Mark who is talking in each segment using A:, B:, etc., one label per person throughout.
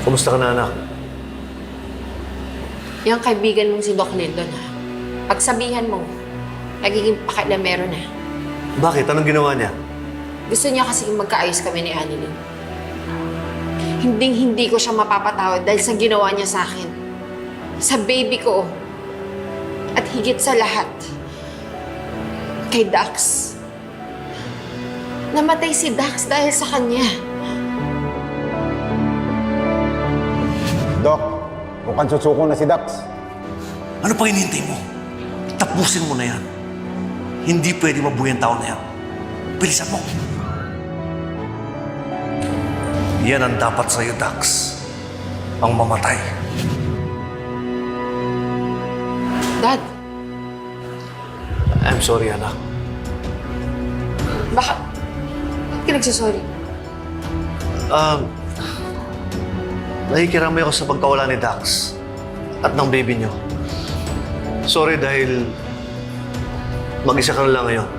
A: Kumusta ka na, anak?
B: Yung kaibigan mong si Doc Lindon, ha? Pagsabihan mo, nagiging pakialamero na.
A: Bakit? Anong ginawa niya?
B: Gusto niya kasi magkaayos kami ni Annalyn. Hinding-hindi ko siya mapapatawad dahil sa ginawa niya sa akin. Sa baby ko. At higit sa lahat, kay Dax. Namatay si Dax dahil sa kanya.
C: Doc, mukhang susuko na si Dax.
A: Ano pa hinihintay mo? Tapusin mo na yan. Hindi pwede mabuhay ang tao na yan. Bilisan mo. Yan ang dapat sa'yo, Dax. Ang mamatay.
B: Dad,
A: I'm sorry, anak.
B: bakit ka nagsasorry?
A: Nakikiramay ako sa pagkawala ni Dax at ng baby niyo. Sorry dahil mag-isa ka na lang ngayon.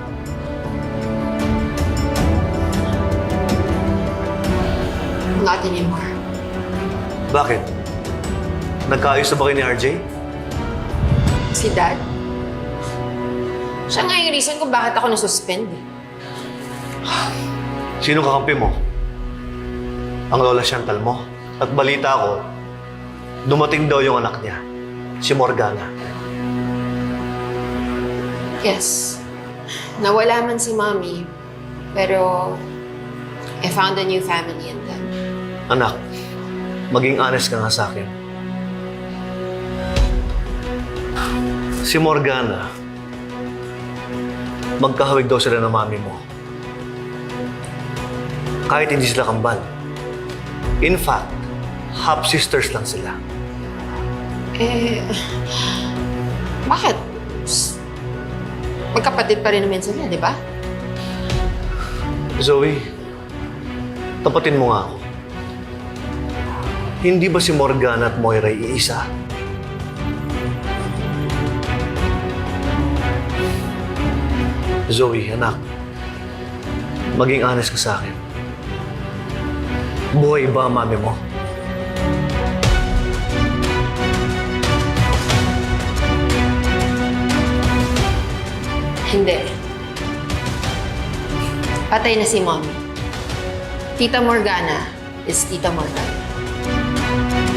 B: Not anymore.
A: Bakit? Nagkaayos na ba kayo ni RJ?
B: Si Dad? Siya nga yung reason kung bakit ako nasuspend.
A: Sino kakampi mo? Ang lola Chantal mo? At balita ko, dumating daw yung anak niya, si Morgana.
B: Yes. Nawala man si Mommy, pero I found a new family in them.
A: Anak, maging honest ka nga sa akin. Si Morgana, magkahawig daw sila ng mami mo. Kahit hindi sila kambal. In fact, half-sisters lang sila.
B: Bakit? Magkapatid pa rin naman sila, di ba?
A: Zoe, tapatin mo nga ako. Hindi ba si Morgana at Moira iisa? Zoe, anak, maging honest ka sa akin. Buhay ba ang mami mo?
B: Hindi. Patay na si Mommy. Tita Morgana is Tita Morgana.